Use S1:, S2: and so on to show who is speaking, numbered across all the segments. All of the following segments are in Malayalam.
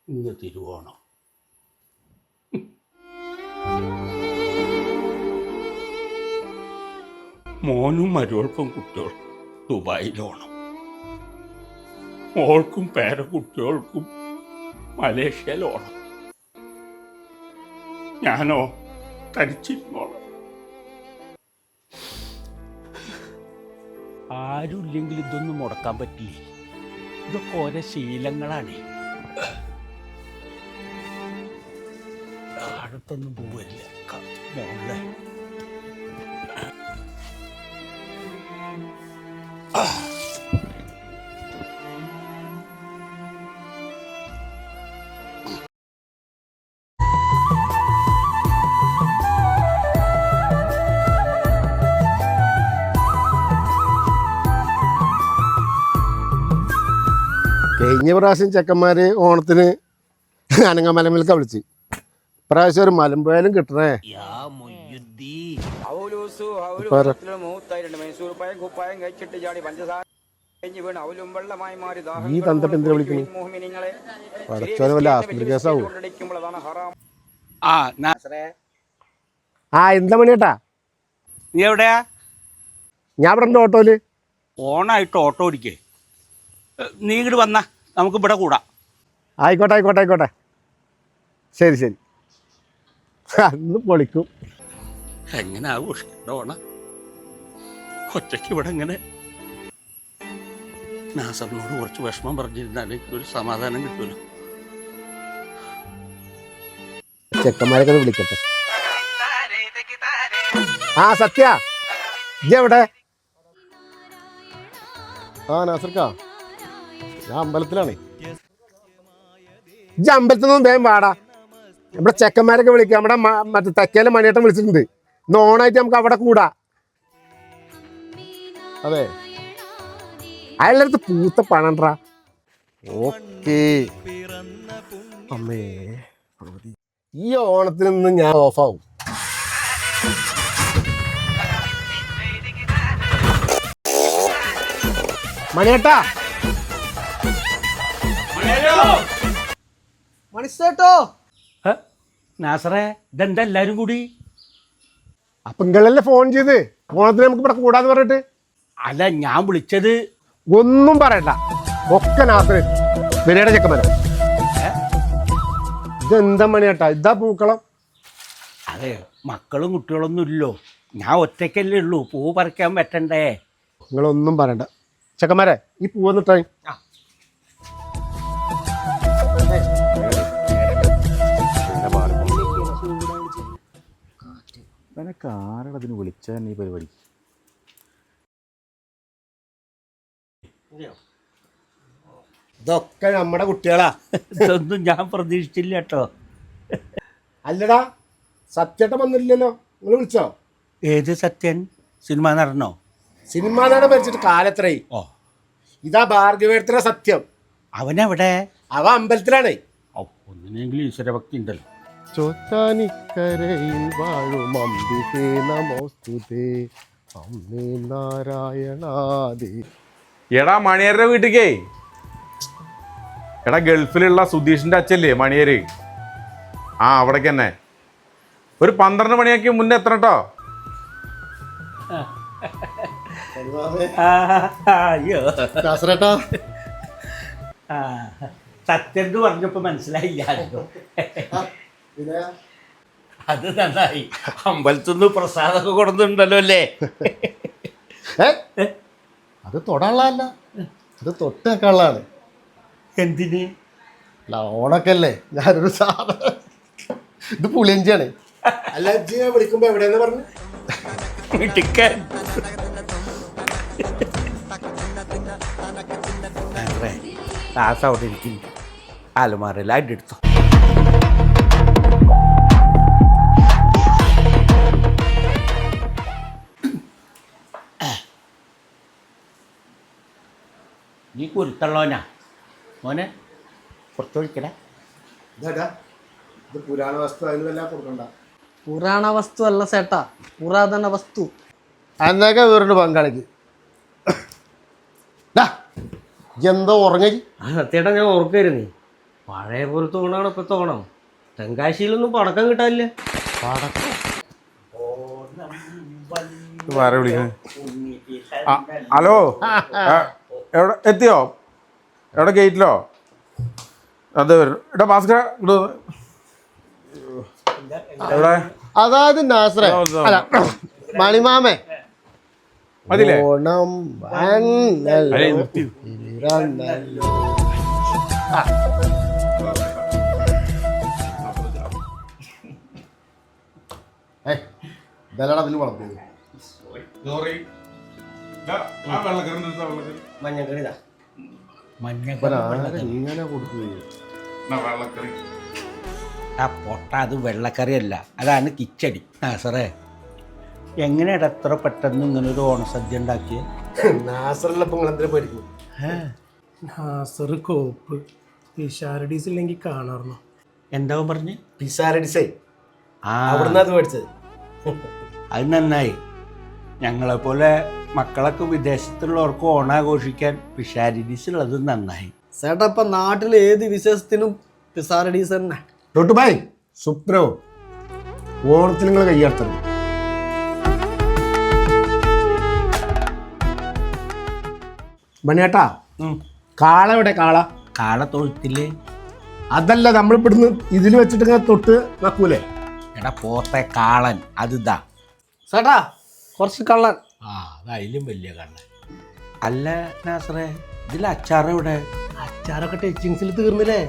S1: ഇന്ന് തിരുവോണം. മോനും മരുവൾക്കും കുട്ടികൾക്കും ദുബായിലോണം, മോൾക്കും പേരക്കുട്ടികൾക്കും മലേഷ്യയിലോണം. ഞാനോ തരിച്ചിരുന്നോളാം. ആരുമില്ലെങ്കിൽ ഇതൊന്നും മുടക്കാൻ പറ്റില്ലേ. ഇതൊക്കെ ഓരോ ശീലങ്ങളാണ്. അടുത്തൊന്നും പോവില്ല മോളെ.
S2: കഴിഞ്ഞ പ്രാവശ്യം ചെക്കന്മാര് ഓണത്തിന് അനങ്ങമലമിൽക്ക വിളിച്ച്, പ്രാവശ്യം ഒരു മലമ്പുഴയിലും കിട്ടണേ. ഈ തന്തപ്പ് എന്തിനാ വിളിക്കണേ? പടച്ചോനെ വല്ല ആസ്പത്രി കേസാവോ? എന്താ മണിയേട്ടാ?
S1: നീ എവിടെയാ?
S2: ഞാൻ ഇവിടെ ഉണ്ട് ഓട്ടോയില്.
S1: ഓണായിട്ട് ഓട്ടോ ഓടിക്കേ. നീ ഇങ്ങോട്ട് വന്നാ നമുക്ക് ഇവിടെ കൂടാം.
S2: ആയിക്കോട്ടെ ആയിക്കോട്ടെ ആയിക്കോട്ടെ, ശരി ശരി. അന്ന് പൊളിക്കും.
S1: എങ്ങനെ ആഘോഷിക്കണ്ട ഓണം ഒറ്റയ്ക്ക് ഇവിടെ എങ്ങനെ? നാസറിനോട് കുറച്ച് വിഷമം പറഞ്ഞിരുന്നാൽ ഒരു സമാധാനം കിട്ടുമല്ലോ.
S2: ചെക്കന്മാരൊക്കെ ഒന്ന് വിളിക്കട്ടെ. സത്യ എവിടെ? നാസർക്കാ, ഞാൻ അമ്പലത്തിലാണേ. അമ്പലത്തിൽ നിന്നും വേഗം പാടാ. നമ്മുടെ ചെക്കന്മാരൊക്കെ വിളിക്കാം. നമ്മുടെ മറ്റേ തെക്കേലെ മണിയേട്ടൻ വിളിച്ചിട്ടുണ്ട്. ഇന്ന് ഓണായിട്ട് നമുക്ക് അവിടെ കൂടാ. അതെ, അയാളുടെ പൂത്ത പണണ്ടാ. ഓക്കേ അമ്മേ, ഈ ഓണത്തിൽ നിന്ന് ഞാൻ ഓഫാവും. മണിയേട്ടാ,
S3: മണിച്ചേട്ടോ.
S1: നാസറേ, ഇതെന്താ എല്ലാരും കൂടി?
S2: അപ്പൊ നിങ്ങളല്ലേ ഫോൺ ചെയ്ത് ഓണത്തിന് നമുക്ക് ഇവിടെ കൂടാന്ന് പറഞ്ഞിട്ട്?
S1: അല്ല, ഞാൻ വിളിച്ചത്
S2: ഒന്നും പറയണ്ട, ഒക്കെ നാസറ് വിനയുടെ ചെക്കന്മാര. ഇതെന്താ മണിയേട്ടാ, ഇതാ പൂക്കളം?
S1: അതെ, മക്കളും കുട്ടികളൊന്നും ഇല്ലോ, ഞാൻ ഒറ്റയ്ക്കല്ലേ ഉള്ളൂ. പൂ പറിക്കാൻ പറ്റണ്ടേ?
S2: നിങ്ങളൊന്നും പറയണ്ട ചെക്കന്മാരെ, ഈ പൂവന്നിട്ടായി.
S4: നിനക്ക് ആരടതിന് വിളിച്ചാൽ ഈ പരിപാടി?
S2: ഇതൊക്കെ നമ്മുടെ കുട്ടികളാ.
S1: ഇതൊന്നും ഞാൻ പ്രതീക്ഷിച്ചില്ല കേട്ടോ.
S2: അല്ലടാ, സത്യേട്ടൻ വന്നില്ലല്ലോ, നിങ്ങൾ വിളിച്ചോ?
S1: ഏത് സത്യൻ? സിനിമ നടനോ?
S2: സിനിമാ നടൻ മരിച്ചിട്ട് കാലത്രയായി.
S1: ഓ,
S2: ഇതാ ഭാർഗവേടത്തിലെ സത്യം.
S1: അവനെവിടെ?
S2: അവ അമ്പലത്തിലാണേ.
S1: ഓ, ഒന്നിനെങ്കിലും ഈശ്വരഭക്തി ഉണ്ടല്ലോ.
S2: ചോറ്റാനിക്കരയിൽ വാഴും അംബികേ നമോസ്തുതേ അമ്മേ നാരായണാദി.
S5: എടാ മണിയരുടെ വീട്ടിക്കേ, എടാ ഗൾഫിലുള്ള സുധീഷിന്റെ അച്ഛല്ലേ മണിയര്, അവിടേക്ക് തന്നെ ഒരു 12 മണിയൊക്കെ മുന്നേ എത്തണം കേട്ടോ.
S1: അയ്യോ, സത്യം പറഞ്ഞപ്പോ മനസ്സിലായില്ലോ. അത് നന്നായി. അമ്പലത്തുനിന്ന് പ്രസാദമൊക്കെ കൊടുത്തിട്ടുണ്ടല്ലോ അല്ലേ?
S2: അത് തൊടാനുള്ളതല്ല, അത് തൊട്ടേക്കാനുള്ളതാണ്.
S1: എന്തിന്?
S2: ഓണൊക്കെ അല്ലേ, ഞാനൊരു സാധനം, ഇത് പുളിയഞ്ചിയാണ്. അല്ല, വിളിക്കുമ്പോ എവിടെയെന്ന് പറഞ്ഞു?
S1: ക്ലാസ് അവിടെ ഇരിക്കുന്നു, അലമാരയിൽ അടിയെടുത്തു. നീ കുരുത്തള്ളോനാ മോനെ, പുറത്തു വിളിക്കട.
S2: ഇത് പുരാണ വസ്തു, അതിനെല്ലാം കൊടുക്കണ്ട.
S3: പുരാണ വസ്തു അല്ല ചേട്ടാ, പുരാതന വസ്തു.
S2: എന്നൊക്കെ വേറൊരു പങ്കാളിക്ക് എന്തോ ഉറങ്ങി.
S6: സത്യേട്ടാ, ഞാൻ ഓർക്കായിരുന്നേ,
S3: പഴയ പോലത്തെ ഓണാണ് ഇപ്പോഴത്തെ ഓണം. തെങ്കാശിയിലൊന്നും പടക്കം കിട്ടാനില്ല.
S5: ആരെ വിളിക്കുന്നത്? ഹലോ, എവിടെ എത്തിയോ? എവിടെ ഗേറ്റിലോ? അത് ഇവിടെ ഭാസ്കര എവിടെ?
S6: അതായത് നാസറേ അല്ല മണിമാമേ
S5: മതില്ലേ?
S6: ഓണം വന്നല്ലോ, പിറന്നല്ലോ. ഇതല്ലടാ അതിൽ വളർന്നത്. ഇങ്ങനെ കൊടുക്കുകയും
S1: ആ പൊട്ട അത് വെള്ളക്കറിയല്ല, അതാണ് കിച്ചടി. ആ സാറേ, എങ്ങനെയാണ് എത്ര പെട്ടെന്ന് ഇങ്ങനൊരു ഓണസദ്യ ഉണ്ടാക്കിയത്?
S6: നാസറിലപ്പം നിങ്ങൾ എന്തിനാ പഠിക്കും?
S7: നാസർ കോപ്പ് പിഷാരഡീസ് ഇല്ലെങ്കിൽ കാണാറുണ്ടോ?
S1: എന്താവും പറഞ്ഞ്?
S6: പിസാരഡിസേ
S1: ആ,
S6: അവിടുന്ന് അത് പഠിച്ചത്.
S1: അത് നന്നായി. ഞങ്ങളെപ്പോലെ മക്കളൊക്കെ വിദേശത്തുള്ളവർക്ക് ഓണാഘോഷിക്കാൻ പിഷാരിഡീസുള്ളത് നന്നായി.
S3: ചേട്ടാ ഇപ്പൊ നാട്ടിൽ ഏത് വിശേഷത്തിനും പിസാരഡീസ് തന്നെ.
S2: തൊട്ടുബായ് സുപ്രോ ഓണത്തിന് നിങ്ങൾ കയ്യാർത്തത്. മണിയേട്ടാ, കാള എവിടെ? കാള
S1: കാള തൊഴുത്തില്ലേ?
S2: അതല്ല, നമ്മളിവിടുന്ന് ഇതിൽ വെച്ചിട്ട് ഇങ്ങനെ തൊട്ട് വെക്കൂലേ?
S1: എടാ പോത്തെ കാളൻ അതിതാ.
S3: ചേട്ടാ കുറച്ച് കള്ളൻ.
S1: ആ, അത് അതിലും വലിയ കള്ളൻ. അല്ല നാസറേ, ഇതിൽ അച്ചാറ് എവിടെ?
S3: അച്ചാറൊക്കെ ടച്ചിങ്സിൽ തീർന്നില്ലേ?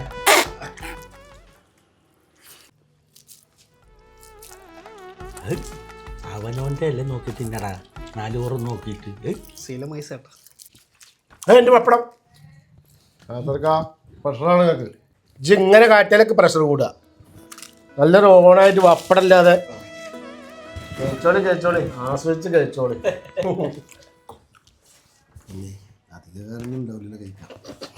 S1: അവനോൻ്റെ അല്ലേ നോക്കി തിന്നടാ, 4 ഓറ് നോക്കിയിട്ട്.
S3: ശീലമായി ചേട്ടാ.
S2: എൻ്റെ പപ്പടം പ്രഷറാണ് നിങ്ങൾക്ക്. ഇജ്ജ് ഇങ്ങനെ കാറ്റിയാലൊക്കെ പ്രഷർ കൂടുക. നല്ലൊരു ഓണായിട്ട് പപ്പടമില്ലാതെ കഴിച്ചോളി കഴിച്ചോളി, ആസ്വദിച്ച് കഴിച്ചോളി. അധികം ഉണ്ടാവില്ല കഴിക്കാം.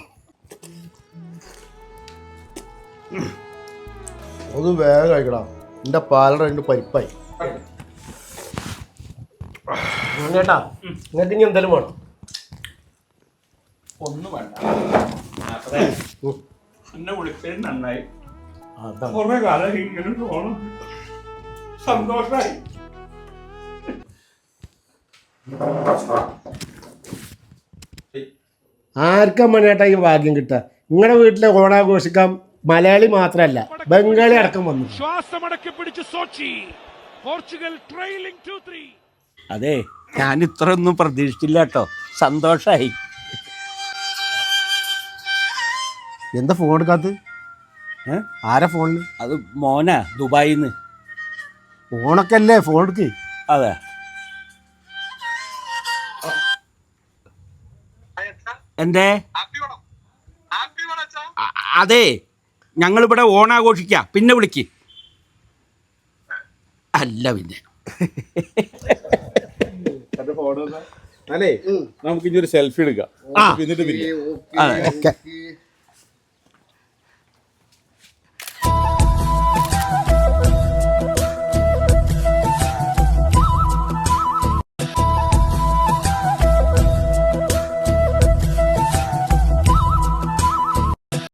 S2: അത് വേഗം കഴിക്കടാ, എൻ്റെ പാലട രണ്ട് പരിപ്പായി. ചേട്ടാ നിങ്ങൾക്ക് ഇനി എന്തെങ്കിലും വേണം?
S1: ഒന്നും വേണ്ട, എന്നെ വിളിച്ചത് നന്നായി.
S2: അതാണ്
S1: കുറെ കാലം ഇങ്ങനെ ഓണം, സന്തോഷമായി.
S2: ആർക്കാ മണിയേട്ടാ ഈ ഭാഗ്യം കിട്ടുക? നിങ്ങളുടെ വീട്ടിലെ ഓണാഘോഷിക്കാൻ മലയാളി മാത്രമല്ല ബംഗാളി അടക്കം വന്നു.
S1: അതെ, ഞാൻ ഇത്രയൊന്നും പ്രതീക്ഷിച്ചില്ല കേട്ടോ, സന്തോഷമായി.
S2: എന്താ ഫോൺ എടുക്കാത്ത? ആരാ ഫോണിൽ?
S1: അത് മോനാ ദുബായിന്ന്.
S2: ഫോണൊക്കെ അല്ലേ, ഫോൺ എടുക്ക്.
S1: അതെ, എന്തേ? അതെ, ഞങ്ങളിവിടെ ഓണാഘോഷിക്കാം, പിന്നെ വിളിക്ക്. അല്ല പിന്നെ
S5: അല്ലേ, നമുക്ക് ഇനി ഒരു സെൽഫി എടുക്കാം, എന്നിട്ട് പിരിയാം.
S1: അതെ.